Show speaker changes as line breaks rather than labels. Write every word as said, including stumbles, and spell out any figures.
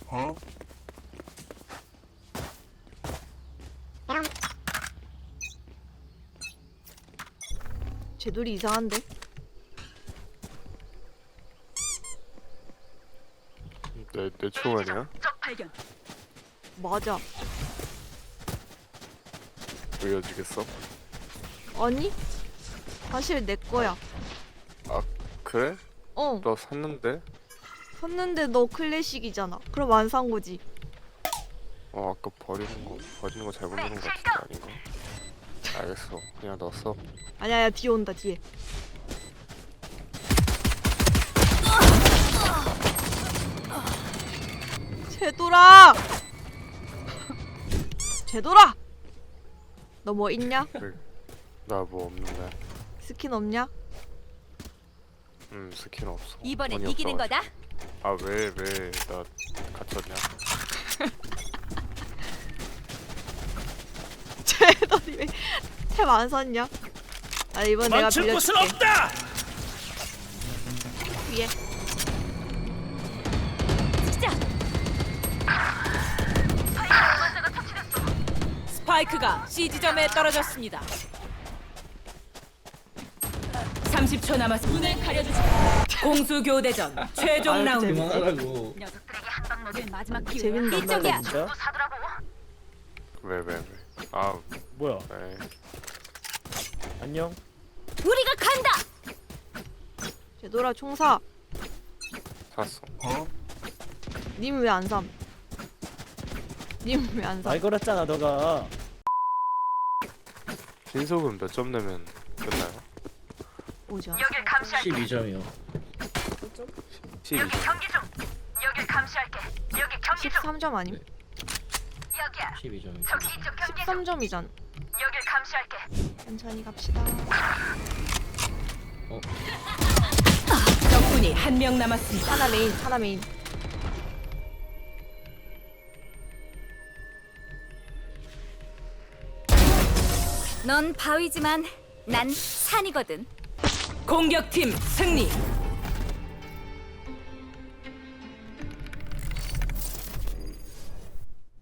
어?
쟤돌이 이상한데?
내, 내 총알이야?
맞아.
보여주겠어?
아니? 사실 내 거야.
그래?
어.
너 샀는데?
샀는데 너 클래식이잖아. 그럼 안 산 거지.
어 아까 버리는 거 버리는 거 잘못 누른 거 같은데 아닌가? 알겠어 그냥 넣었어.
아니야, 야, 뒤에 온다, 뒤에. 쟤돌아! 쟤돌아! 너 뭐 있냐?
나 뭐 없는데.
스킨 없냐?
음 스킨 없어.
이번엔
돈이
이기는
없어가지고.
거다.
아 왜 왜 나 갇혔냐?
쟤돌이 왜 탭 안 샀냐? 아, 이번 내가
멈출 곳은
빌려줄게.
없다.
위에.
시작. 스파이크가 C 지점에 떨어졌습니다. 삼십 초 남았습니다. 눈을 가려주지. 공수 교대전 최종
아유,
라운드.
재밌네.
그만하라고.
녀석들에게 한방 먹일 마지막 기회.
재밌는
이쪽이야.
진짜?
왜 왜 왜? 아
뭐야?
왜?
안녕.
우리가 간다.
쟤돌아, 총 사.
샀어.
님 왜 안 삼? 님 왜 안 삼?
말 걸었잖아 너가.
신속은 몇 점 내면 끝나요?
오지 않아.
십이 점이요.
십이 점.
십삼 점 아님?
십이 점이요.
십삼 점이잖아. 천천히 갑시다.
적군이 한 명 남았습니다.
하나 메인, 하나 메인.
넌 바위지만 난 산이거든. 공격팀 승리.